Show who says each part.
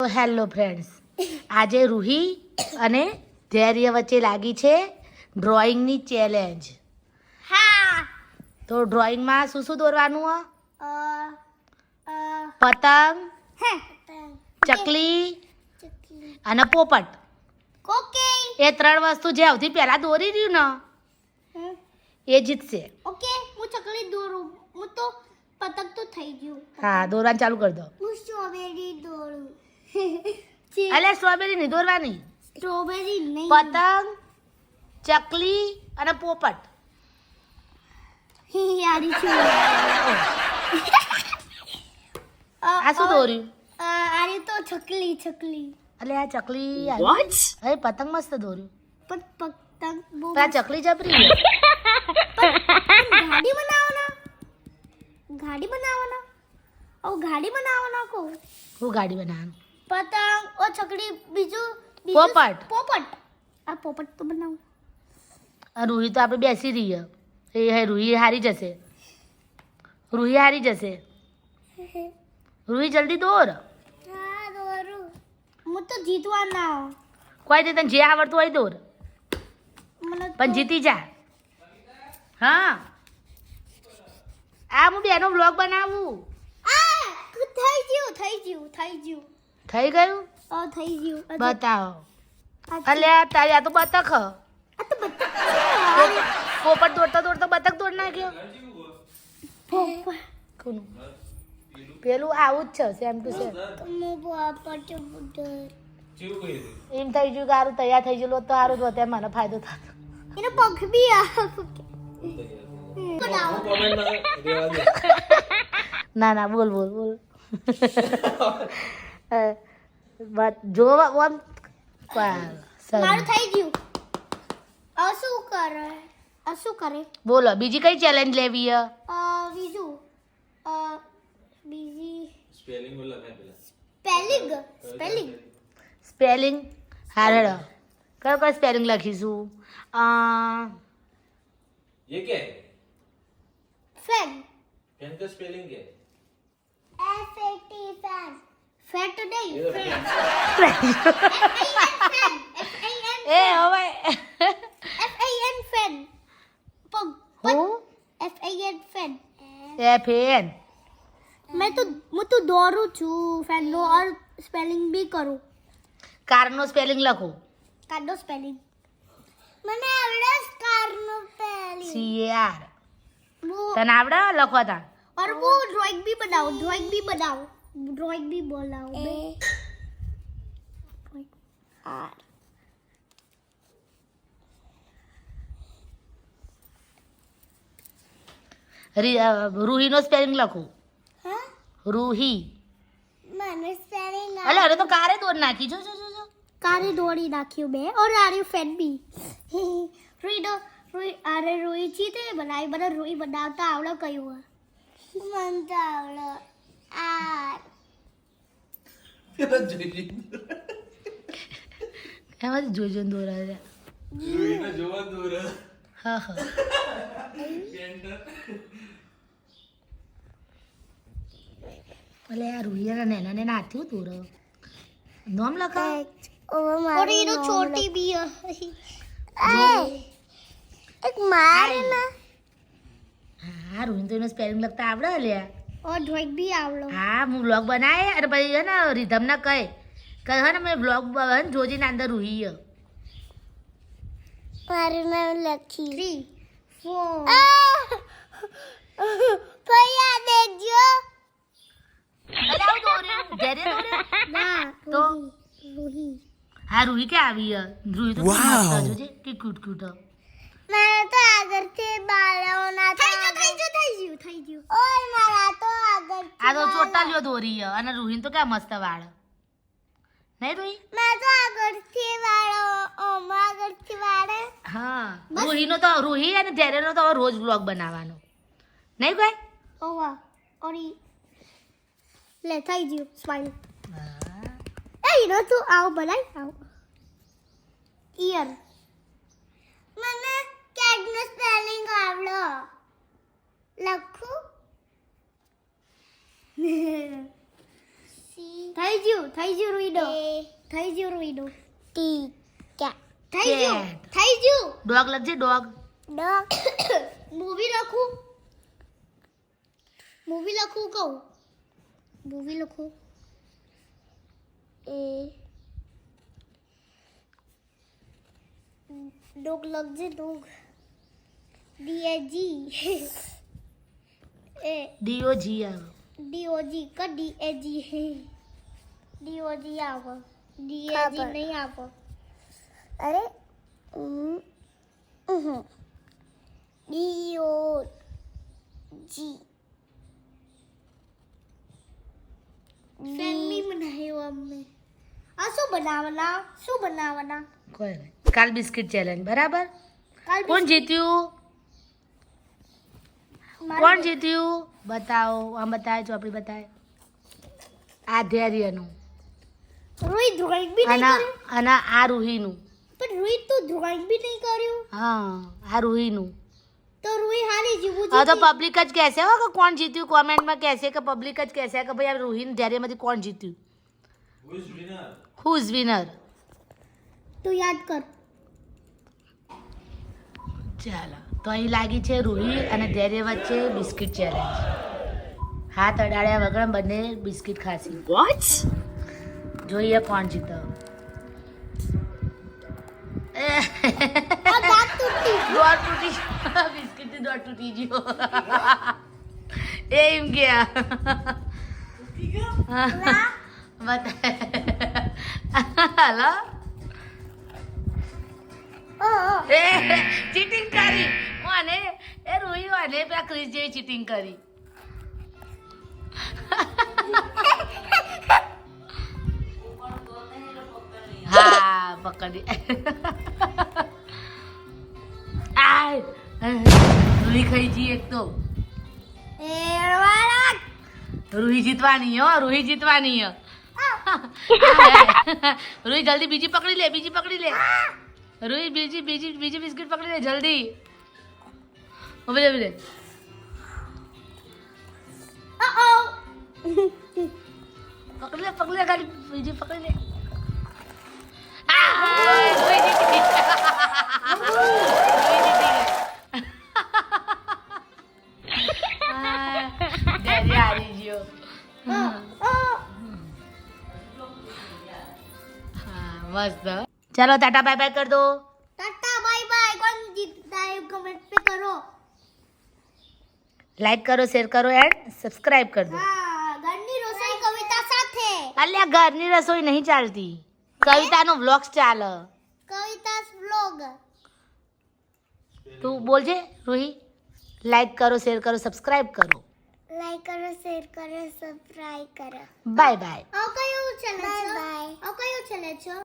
Speaker 1: Hello friends, આજે રૂહી અને ધૈર્ય વચ્ચે લાગી છે ડ્રોઈંગની ચેલેન્જ.
Speaker 2: હા.
Speaker 1: તો ડ્રોઈંગમાં શું શું દોરવાનું?
Speaker 2: અ અ
Speaker 1: પતંગ,
Speaker 2: હે
Speaker 1: ચકલી અને પોપટ.
Speaker 2: ઓકે
Speaker 1: એ ત્રણ વસ્તુ જે સૌથી પહેલા દોરી રહ્યું ને એ જીતશે.
Speaker 2: ઓકે હું ચકલી દોરું. હું તો પતંગ તો થઈ ગયું.
Speaker 1: હા, દોરવાનું ચાલુ કરી દો.
Speaker 2: હું સ્ટ્રોબેરી દોરું.
Speaker 1: અલ્યા સ્ટ્રોબેરી નહીં દોરવાની,
Speaker 2: સ્ટ્રોબેરી નહીં.
Speaker 1: પતંગ, ચકલી અને પોપટ.
Speaker 2: યારી છું.
Speaker 1: આ શું દોર્યું?
Speaker 2: આરે તો ચકલી.
Speaker 1: એટલે આ ચકલી હવે પતંગ મસ્ત દોર્યું,
Speaker 2: પણ પતંગ બહુ
Speaker 1: પણ આ ચકલી જબરી છે.
Speaker 2: ગાડી બનાવવાના. ગાડી બનાવવાના કો
Speaker 1: હું ગાડી બનાવવાનું?
Speaker 2: પતંગ ઓ ચકડી બીજું
Speaker 1: પોપટ.
Speaker 2: આ પોપટ તો બનાવું.
Speaker 1: આ રૂહી તો આપણે બેસી રહીએ. રૂહી હારી જશે. રૂહી જલ્દી દોર.
Speaker 2: હા દોરું. હું તો જીતવાના.
Speaker 1: કોઈ નહીં, તને જે આવડતું હોય દોર,
Speaker 2: મને
Speaker 1: પણ જીતી જા. હા, આ હું બેનો બ્લોગ બનાવું.
Speaker 2: થઈ ગયું.
Speaker 1: થઈ ગયું?
Speaker 2: થઈ ગયું.
Speaker 1: બતાવો. અલ્યા તારી આ તો બતક.
Speaker 2: આ તો બધા
Speaker 1: પોપટ દોડતા બતક દોડ નાખ્યો. કોનું? પેલું આવું જ છે, સેમ ટુ સેમ. એમ થઈ ગયું કે સારું તૈયાર થઈ ગયેલું હોત તો સારું જ હોત, એમ મને ફાયદો થતો.
Speaker 2: એનો પગ બી
Speaker 1: ના બોલ. જો આમ
Speaker 2: મારું થઈ ગયું. શું કરે
Speaker 1: બોલો, બીજી કઈ ચેલેન્જ લેવી હે?
Speaker 2: બીજું બીજી
Speaker 1: સ્પેલિંગ. હારે કયો સ્પેલિંગ લખીશું?
Speaker 3: ये क्या है?
Speaker 2: ફેન
Speaker 3: फैन का स्पेलिंग क्या है?
Speaker 2: FAT ફેન ફેટ નહીં
Speaker 3: ये तो
Speaker 2: ફેન
Speaker 1: એ હવે
Speaker 2: FAN ફેન પગ
Speaker 1: હું
Speaker 2: FAN ફેન
Speaker 1: FN.
Speaker 2: હું તો દોરું છું ફેન નો ઓર સ્પેલિંગ બી કરું.
Speaker 1: કારનો સ્પેલિંગ લખો.
Speaker 2: કારનો સ્પેલિંગ મને આવડે. કારનો સ્પેલિંગ
Speaker 1: CAR. તને આવડે લખવા તા?
Speaker 2: और वो ड्राइंग भी बनाओ बे आर
Speaker 1: રૂહીનો સ્પેલિંગ લખો.
Speaker 2: हाँ
Speaker 1: રૂહી.
Speaker 2: मैंने स्पेलिंग
Speaker 1: અલે અરે તો કારે દોડ નાખી. જો
Speaker 2: कारे दौड़ी नाखियो बे और आरे फैन भी रुई चीते बनाई बना रुई बनावता आवड़ा कयो मनता आवड़ा आर
Speaker 1: એમાં જોઈ દોરા છે.
Speaker 3: जोवा दूर है
Speaker 1: હા અલે આ રૂહીના નેના નાથ્યું દોર નોમ લખા.
Speaker 2: और ये तो छोटी भी है एक मार ना
Speaker 1: હા, રૂહીને તો એનો સ્પેલિંગ લખતા આવડે અલ્યા.
Speaker 2: और ड्राइंग भी आवड़ो
Speaker 1: હા, હું બ્લોગ બનાવે અને પછી હે ને રીધમ ના કહે હે ને મેં બ્લોગ જોજીને અંદર રૂહી હે.
Speaker 2: મારું નામ લખી 3 4 ભૈયા દેજો
Speaker 1: અલે આવું દોર્યું ઘેરે દોર્યું
Speaker 2: ના
Speaker 1: તો
Speaker 2: રૂહી
Speaker 1: હા રૂહી કે આવી હે. રૂહી તો ખૂબ મસ્ત જોજે કે ક્યુટ હે.
Speaker 2: મારા તો આગળથી બાળોના થઈ ગયું ઓય મારા તો આગળ
Speaker 1: આ તો ચોટાલીઓ દોરી હે અને રૂહીને તો ક્યાં મસ્ત વાળ નહીં રૂહી?
Speaker 2: મારા તો આગળથી વાળો આગળથી વાળે
Speaker 1: હા, રૂહીનો તો રૂહી અને ધૈર્યનો તો હવે રોજ બ્લોગ બનાવવાનો નહીં કોઈ?
Speaker 2: ઓવા ઓરી લે થઈ ગયું સ્માઈલ એ ઈનો તું આવ બનાય આવ ઈયર મને કેટનો સ્પેલિંગ આવડો લખું C થઈ ગયું રૂઈડો થઈ ગયું રૂઈડો ટીકા થઈ ગયું
Speaker 1: ડોગ લખજે ડોગ.
Speaker 2: મૂવી લખું કહું મૂવી લખું ડોગ લખજે ડોગ ડીએજી
Speaker 1: ડીઓજી આવે.
Speaker 2: ડીઓજી ક ડીએજી ડીઓજી આવો ડીએજી નહીં આવો અરે ડીઓજી ફેમિલી બનાવ્યો અમને આ શું બનાવવાના
Speaker 1: કોઈ નહીં. કાલ બિસ્કિટ ચેલેન્જ બરાબર.
Speaker 2: કાલ
Speaker 1: કોણ જીત્યું? કોણ જીત્યું બતાવો. આમ બતાવે ચોપડી બતાવે. આ ધૈર્યનું
Speaker 2: રોહિત ડ્રોઈંગ બી નહીં
Speaker 1: અને
Speaker 2: કર્યું
Speaker 1: અને આ રૂહીનું.
Speaker 2: પણ રોહિત તો ડ્રોઈંગ બી નહીં કર્યું
Speaker 1: હા આ રૂહીનું.
Speaker 2: તો રોહિત હારી જીવું
Speaker 1: હવે તો પબ્લિક જ કહેશે હો કે કોણ જીત્યું. કોમેન્ટમાં કહેશે કે પબ્લિક જ કહેશે કે ભાઈ આ રૂહીને ધૈર્યમાંથી કોણ જીત્યું.
Speaker 3: Who is winner?
Speaker 1: Who is winner?
Speaker 2: તું યાદ કર
Speaker 1: ચાલો તો અહીં લાગી છે રૂહી અને ધૈર્ય વચ્ચે બિસ્કિટ ચેલેન્જ. હાથ અડાડ્યા વગર બંને બિસ્કિટ ખાસી. વોટ? જોઈએ કોણ જીતો.
Speaker 2: દાંત તૂટી
Speaker 1: દોડ તૂટી બિસ્કિટ દોડ તૂટી ગયો. એમ ગયા બતા હલો. ચીટિંગ કરી મને એ રૂહી મને પેલા ક્રિસ જેવી ચીટિંગ કરી. હા પકડી. રૂહી ખાઈ જી એક તો. રૂહી જીતવાની હો રૂહી જીતવાની હો. રૂહી જલ્દી બીજી પકડી લે રૂહી બીજી બિસ્કિટ પકડી લે જલ્દી. ઉભી રે પકડી લે ગાડી બીજી પકડી લે. રૂહી જીતી ગઈ. ડેડી હારી ગયો. મસ્ત. ચાલો ટાટા બાય બાય કર દો.
Speaker 2: टाटा बाय बाय कौन जीतता है कमेंट पे करो
Speaker 1: લાઈક કરો શેર કરો એન્ડ સબસ્ક્રાઇબ કરી દો.
Speaker 2: हाँ घरनी रसोई कविता साथे
Speaker 1: અલ્યા ઘરની રસોઈ નહીં ચાલતી. કવિતાનો વ્લોગ્સ ચાલે.
Speaker 2: कविता व्लॉग
Speaker 1: તું બોલજે રૂહી. લાઈક કરો શેર કરો સબસ્ક્રાઇબ કરો.
Speaker 2: लाइक करो शेयर करो सब्सक्राइब करो
Speaker 1: બાય બાય.
Speaker 2: और कयो चले बाय बाय और कयो चले छो